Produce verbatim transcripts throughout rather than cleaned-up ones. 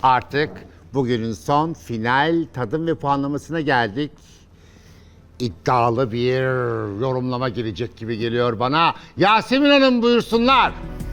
Artık bugünün son final tadım ve puanlamasına geldik. İddialı bir yorumlama gelecek gibi geliyor bana. Yasemin Hanım buyursunlar.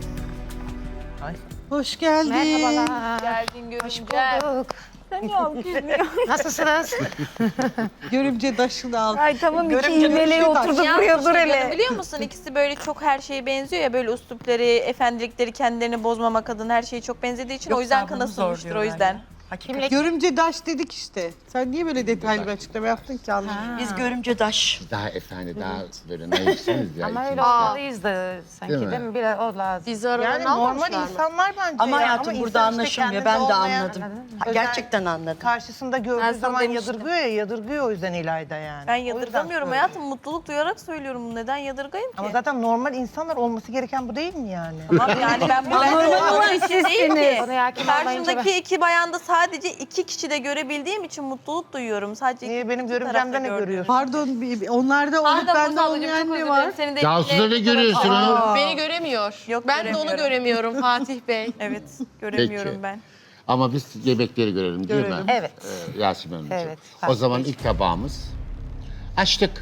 Hoş geldin. Merhabalar. Geldin Hoş görümce. bulduk. Demiyorum gülmüyor. Nasılsınız? Görümce taşını al. Ay tamam iki Görümce iğneleğe taşı taş. oturdu Yalnız buraya dur işte hele. Gönül, biliyor musun ikisi böyle çok her şeye benziyor ya, böyle üslupları, efendilikleri kendilerini bozmamak adına her şeyi çok benzediği için o yüzden kanasılmıştır o yüzden. Kimle? Görümce daş dedik işte. Sen niye böyle detaylı bir açıklama yaptın ki anlamadım. Biz görümce daş. Daha efendi, daha böyle naifsiniz ya. Ama öyle ikiniz de. olmalıyız da sanki Değil değil mi? mi? Biraz o lazım. Bizi aralarına Yani normal almamışlar mı? insanlar bence Ama ya. hayatım Ama burada insan işte anlaşılmıyor. kendinde Ben de olmayan- anladım. Ha, Özel- gerçekten anladım. Karşısında Ben gördüğü sana zaman demiştim. yadırgıyor ya, yadırgıyor o yüzden İlayda yani. Ben O yüzden yadırgamıyorum söylüyorum. hayatım, mutluluk duyarak söylüyorum bunu. Neden yadırgayım ki? Ama zaten normal insanlar olması gereken bu değil mi yani? Tamam yani ben bu normal bir şey değil ki. Konuya hakim olmayınca Karşımdaki iki bayanda sadece iki kişi de görebildiğim için mutluluk duyuyorum. Sadece Niye iki benim iki görümcemde tarafta ne gördüğüm. görüyorsun? Pardon, bir- bir- onlarda olup Pardon bende Mustafa, çok olmayan özür ne dilerim. var? Seni de Cansu'da ne görüyorsunuz? Aa. Beni göremiyor. Yok, ben de onu göremiyorum. göremiyorum Fatih Bey. Evet, göremiyorum Peki. ben. Ama biz yemekleri görelim değil mi? Görelim. Evet. Ee, Yasemin Hanımcığım. Evet, O farklı zaman bir ilk tabağımız. Açtık.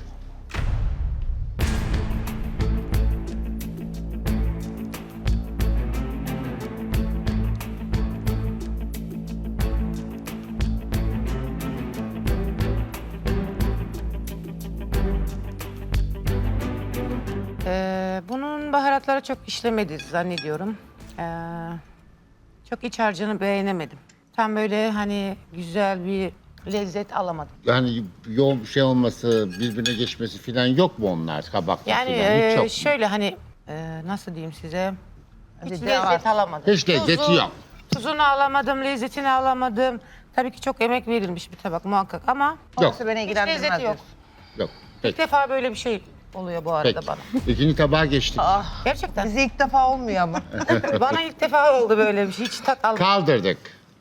Ee, bunun baharatları çok işlemedi zannediyorum. Ee, çok iç harcını beğenemedim. Tam böyle hani güzel bir lezzet alamadım. Yani yoğun bir şey olması, birbirine geçmesi falan yok mu onlar kabakta Yani falan? Hiç e, yok mu? şöyle hani e, nasıl diyeyim size? Hiç Hadi de lezzet alamadım. Hiç lezzeti Tuzu- yok. Tuzunu alamadım, lezzetini alamadım. Tabii ki çok emek verilmiş bir tabak muhakkak ama Yok. Orası beni hiç ilgilendirmez lezzeti yok. diyorsun. Yok. İlk Peki. defa böyle bir şey oluyor bu arada Peki. bana. İkinci tabağa geçtik. Gerçekten. Bize ilk defa olmuyor ama. Bana ilk defa oldu böyle bir şey. Hiç tat almadım. Kaldırdık.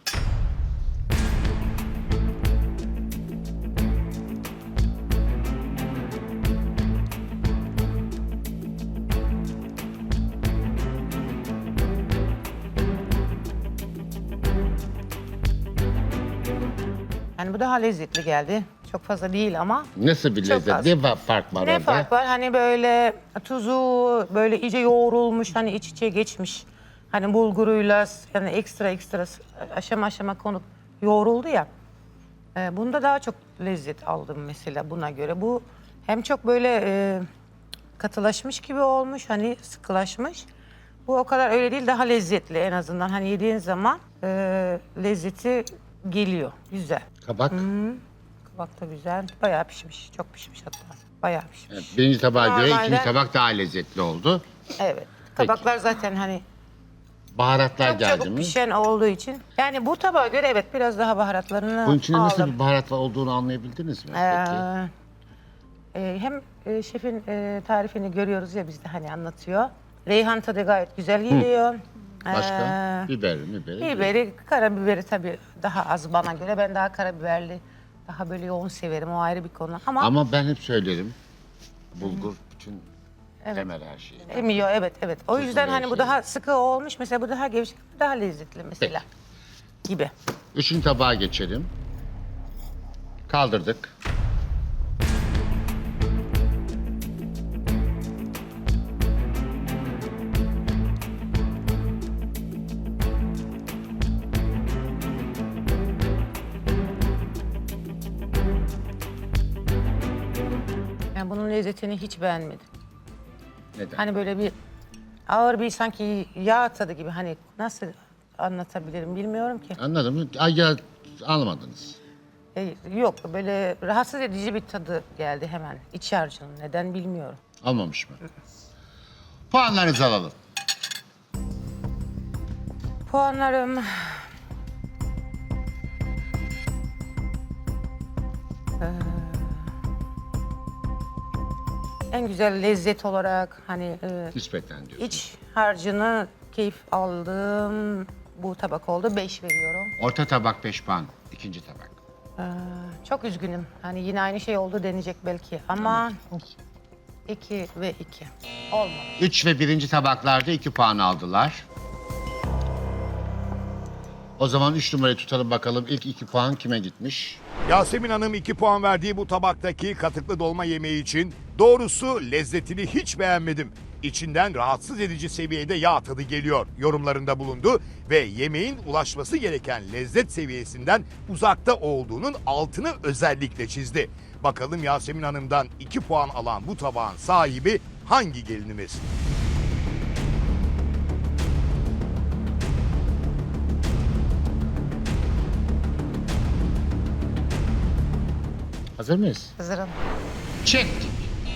Yani bu daha lezzetli geldi. Çok fazla değil ama. Nasıl bir Çok lezzet? az. Ne va- fark var Ne orada? fark var? Hani böyle tuzu böyle iyice yoğrulmuş, hani iç içe geçmiş. Hani bulguruyla yani ekstra ekstra aşama aşama konup yoğruldu ya. Ee, bunda daha çok lezzet aldım mesela buna göre. Bu hem çok böyle e, katılaşmış gibi olmuş, hani sıkılaşmış. Bu o kadar öyle değil, daha lezzetli en azından. Hani yediğin zaman e, lezzeti geliyor. Güzel. Kabak. Kabak da güzel. Bayağı pişmiş. Çok pişmiş hatta. Bayağı pişmiş. Evet, birinci tabağa göre Normalde- ikinci tabak daha lezzetli oldu. Evet. Kabaklar zaten hani Baharatlar çok geldi çabuk mi? pişen olduğu için. Yani bu tabağa göre evet biraz daha baharatlarını Bunun içinde nasıl aldım. bir baharat var olduğunu anlayabildiniz mi? Ee, Peki. e, hem e, şefin e, tarifini görüyoruz ya bizde hani anlatıyor. Reyhan tadı gayet güzel geliyor. Başka? Ee, Biberi mi? Biberi. biberi, karabiberi tabii daha az bana göre. Ben daha karabiberli, daha böyle yoğun severim. O ayrı bir konu. Ama, Ama ben hep söylerim. Bulgur bütün temel her şey. emiyor evet evet. O yüzden her hani bu şey. daha sıkı olmuş. Mesela bu daha gevşek, daha lezzetli mesela. Gibi. Üçüncü tabağa geçelim. Kaldırdık. Yani bunun lezzetini hiç beğenmedim. Neden? Hani böyle bir ağır bir sanki yağ tadı gibi, hani nasıl anlatabilirim bilmiyorum ki. Anladın mı? Ay ya anlamadınız. E, yok böyle rahatsız edici bir tadı geldi hemen iç harcının, neden bilmiyorum. Almamış mı? Puanlarınızı alalım. Puanlarım... Ee, en güzel lezzet olarak hani e, Nispeten diyorsunuz. iç harcını keyif aldığım bu tabak oldu. Beş veriyorum. Orta tabak beş puan. İkinci tabak. Ee, çok üzgünüm. Hani yine aynı şey oldu denecek belki ama iki ve iki. Olmadı. Üç ve birinci tabaklarda iki puan aldılar. O zaman üç numarayı tutalım bakalım. İlk iki puan kime gitmiş? Yasemin Hanım iki puan verdiği bu tabaktaki katıklı dolma yemeği için doğrusu lezzetini hiç beğenmedim. İçinden rahatsız edici seviyede yağ tadı geliyor yorumlarında bulundu ve yemeğin ulaşması gereken lezzet seviyesinden uzakta olduğunun altını özellikle çizdi. Bakalım Yasemin Hanım'dan iki puan alan bu tabağın sahibi hangi gelinimiz? Hazır mıyız? Hazırım. Çektik.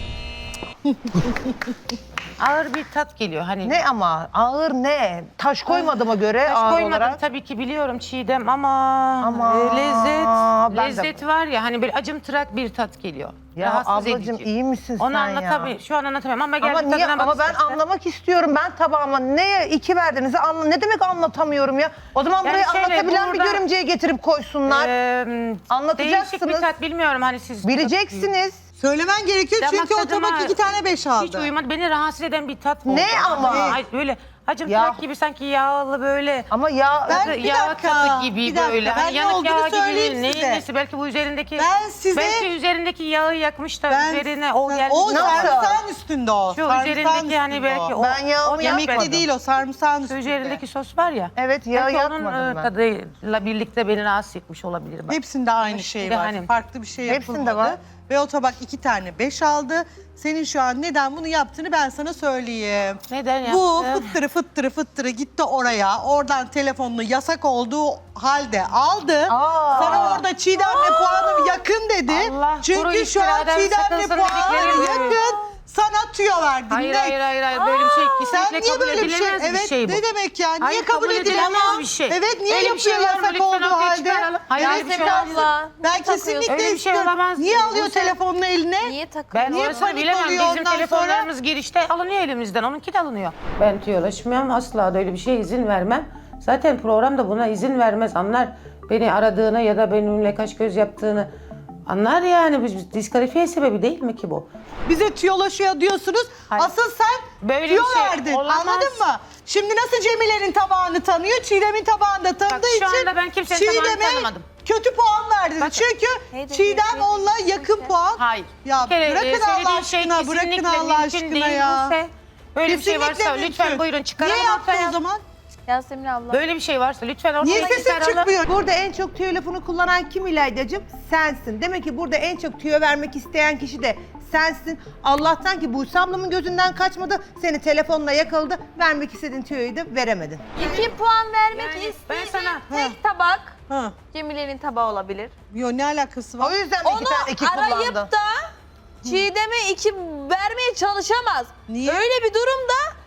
Ağır bir tat geliyor. Hani Ne ama ağır ne? Taş koymadığıma göre taş ağır koymadım olarak. tabii ki biliyorum Çiğdem ama, Ama e, lezzet ben de- lezzet var ya hani böyle acımtırak bir tat geliyor. Ya Rahatsız ablacığım edici. iyi misin Onu sen anlatamıyorum. ya? Şu an anlatamıyorum ama gel Ama bir niye? tadına bak Ama ben istersen. anlamak istiyorum. Ben tabağıma neye iki verdiğinizi anla. Ne demek anlatamıyorum ya? O zaman Yani buraya şöyle, anlatabilen bir burada- görümceyi getirip koysunlar. Ee, Anlatacaksınız. Değişik bir tat bilmiyorum hani siz. Bileceksiniz. Söylemen gerekiyor Damak çünkü o tadıma tabak iki tane beş aldı. Hiç uyumadı. Beni rahatsız eden bir tat oldu. Ne ama? Ay, böyle acımtırak Ya. gibi sanki yağlı böyle. Ama ya Ben- Tadı, bir yağ dakika, tadı gibi bir dakika. böyle. Ben Hani ne yanık olduğunu yağ gibi söyleyeyim değil. size. Neyin nesi? Belki bu üzerindeki Ben size- belki üzerindeki yağı yakmış da Ben- üzerine o gelmiş. O Nasıl? sarımsağın üstünde o. Şu sarımsağın üzerindeki hani üstünde belki o. o. Ben yağımı o yapmadım. Yemekte değil o sarımsağın Şu üstünde. üzerindeki sos var ya. Evet yağı belki onun yakmadım e, ben. tadıyla birlikte beni rahatsız etmiş olabilir. Bak. Hepsinde aynı şey Bir de var. hani- Farklı bir şey Hepsinde yapılmadı. var. Ve o tabak iki tane beş aldı. Senin şu an neden bunu yaptığını ben sana söyleyeyim. Neden Bu yaptı? fıttırı fıttırı fıttırı gitti oraya. Oradan telefonunu yasak olduğu halde aldı. Aa. Sana orada Çiğdem'le puanım yakın dedi. Allah, kuru Çünkü şu an iftiradan Çiğdem'le sakınsın puanım dedikleri gibi. yakın. Sana tüyo verdim. Hayır Net. hayır hayır hayır böyle bir şey Sen kesinlikle niye kabul böyle bir şey? edilemez bir Evet şey bu. ne demek ya? Niye Hayır, kabul, kabul edilemez edilemez bir şey. Evet niye Öyle bir şey yapıyor var mı? yasak Lütfen olduğu ortaya halde? çıkaralım. Hayır, Evet, öyle bir şey ben- abla. Ben Niye takıyorsun? kesinlikle Öyle bir şey istiyorum. olamaz. Niye alıyor Bu sen- telefonunu eline? Niye takıyor? Ben Niye orasını panik bilemem. oluyor Bizim ondan telefonlarımız girişte alınıyor elimizden. Onunki de alınıyor. Ben tüyolaşmıyorum. Asla da öyle bir şeye izin vermem. Zaten program da buna izin vermez. Anlar beni aradığını ya da benimle kaş göz yaptığını anlar yani. Biz diskalifiye sebebi değil mi ki bu? Bize tüyolaşıyor diyorsunuz. Hayır. Asıl sen Böyle tüyo bir şey verdin. olamaz. Anladın mı? Şimdi nasıl Cemile'nin tabağını tanıyor, Çiğdem'in tabağını da tanıdığı Bak, şu için anda ben kimsenin tabağını Çiğdem'e tanımadım. kötü puan verdin. Bak- Çünkü Neydi, Çiğdem neydi? onunla yakın puan. Hayır. Ya Bir kere, bırakın e, Allah söylediğin şey aşkına, bırakın kesinlikle Allah mümkün aşkına değil ya. Buse. Böyle bir şey Kesinlikle varsa mümkün. lütfen buyurun çıkaralım Niye yaptı ortaya. o zaman? Yasemin abla. Böyle bir şey varsa lütfen ortaya Niye sesin çıkaralım. çıkmıyor? Burada en çok tüyo lafını kullanan kim İlaydacığım? Sensin. Demek ki burada en çok tüyo vermek isteyen kişi de sensin. Allah'tan ki Buse ablamın gözünden kaçmadı. Seni telefonla yakaladı. Vermek istediğin tüyoyu da veremedin. İki puan vermek Yani ben istediğim sana- tek tabak Ha. Cemile'nin tabağı olabilir. Yo ne alakası O var? yüzden mi iki Onu tane iki arayıp kullandı? da Çiğdem'e iki vermeye çalışamaz. Niye? Öyle bir durumda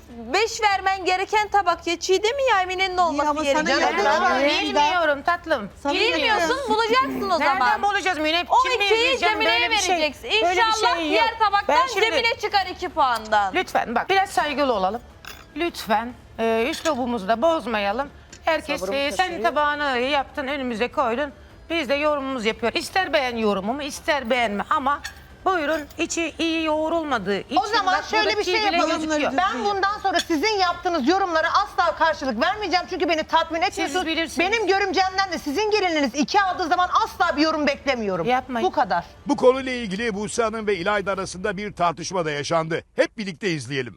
beş vermen gereken tabak ya Çiğdem'in ya Emine'nin olması ama sana gerekiyor. yakın Ben var. bilmiyorum tatlım. Sana Bilmiyorsun bulacaksın o Nereden zaman. bulacağız Münep? O Kim ikiyi vereceğim? Cemile'ye Böyle bir şey- vereceksin. böyle bir İnşallah şey yok. diğer tabaktan Ben şimdi- Cemile çıkar iki puandan. Lütfen bak biraz saygılı olalım. Lütfen e, üslubumuzu da bozmayalım. Herkes e, sen tabağını yaptın önümüze koydun. Biz de yorumumuzu yapıyor. İster beğen yorumumu ister beğenme ama buyurun içi iyi yoğrulmadığı için. O zaman bak şöyle bir buradaki şey bile yapalım. gözüküyor. Ben bundan sonra sizin yaptığınız yorumlara asla karşılık vermeyeceğim. Çünkü beni tatmin etmiyorsunuz. bilirsiniz. Benim görümcemden de sizin gelininiz iki aldığı zaman asla bir yorum beklemiyorum. Yapmayın. Bu kadar. Bu konuyla ilgili Buse Hanım ve İlayda arasında bir tartışma da yaşandı. Hep birlikte izleyelim.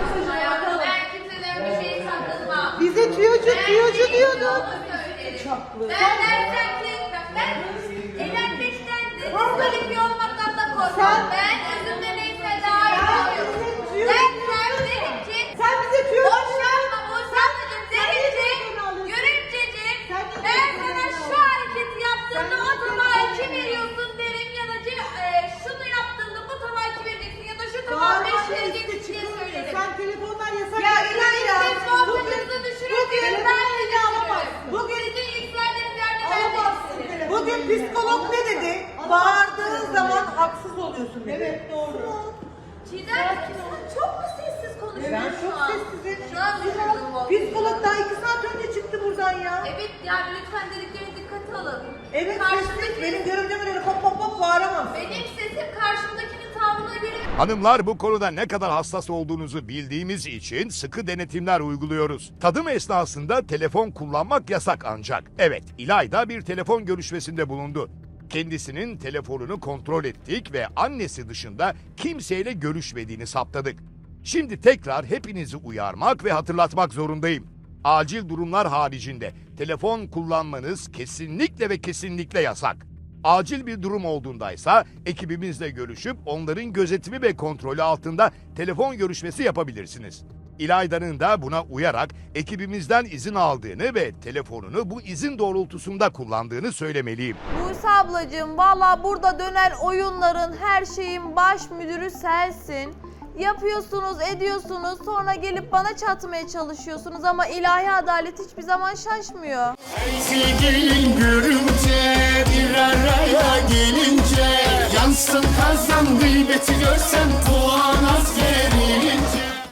Ben kimseden bir şey sakınmam. Bize tüyocu tüyocu diyordun. Ben dersen ki ben eğlenmekten de diskalifiye olmaktan da korkmam. Ben özümde neyse daha iyi oluyorum. Ben sen derim ki Sen bize tüyocu boşanma boşanmacım derim ki Görümceciğim ben sana şu hareketi yaptığında o tabağa iki veriyorsun derim ya da e, şunu yaptığında bu tabağa iki vereceksin ya da şu tabağa beş vereceksin diye söylerim. Sen telefonlar yasak. Ya İlayda, siz muhabbetinizi düşürürken ben de düşürürüm. Bugün Sizin yükseldiğiniz yerde ben de yükselirim. Bugün psikolog ne dedi? Bağırdığın zaman haksız oluyorsun dedi. Evet doğru. Çiğdem sen çok mu sessiz konuşuyorsun Ben çok şu an? sessizim. Şu an üzüldüm o. Psikolog daha iki saat önce çıktı buradan ya. Evet yani lütfen dediklerine dikkate alın. Evet Karşımdaki, sessiz. Benim görümcemin öyle pop pop pop bağıramam. benim sesim karşımdakinin tavrına göre Hanımlar, bu konuda ne kadar hassas olduğunuzu bildiğimiz için sıkı denetimler uyguluyoruz. Tadım esnasında telefon kullanmak yasak ancak. Evet, İlayda bir telefon görüşmesinde bulundu. Kendisinin telefonunu kontrol ettik ve annesi dışında kimseyle görüşmediğini saptadık. Şimdi tekrar hepinizi uyarmak ve hatırlatmak zorundayım. Acil durumlar haricinde telefon kullanmanız kesinlikle ve kesinlikle yasak. Acil bir durum olduğundaysa ekibimizle görüşüp onların gözetimi ve kontrolü altında telefon görüşmesi yapabilirsiniz. İlayda'nın da buna uyarak ekibimizden izin aldığını ve telefonunu bu izin doğrultusunda kullandığını söylemeliyim. Buse ablacığım, valla burada dönen oyunların her şeyin baş müdürü sensin. Yapıyorsunuz, ediyorsunuz, sonra gelip bana çatmaya çalışıyorsunuz ama ilahi adalet hiçbir zaman şaşmıyor. Sevgilin görünce, bir araya gelince, yansın kazan gıybeti görsem puan az gerilince.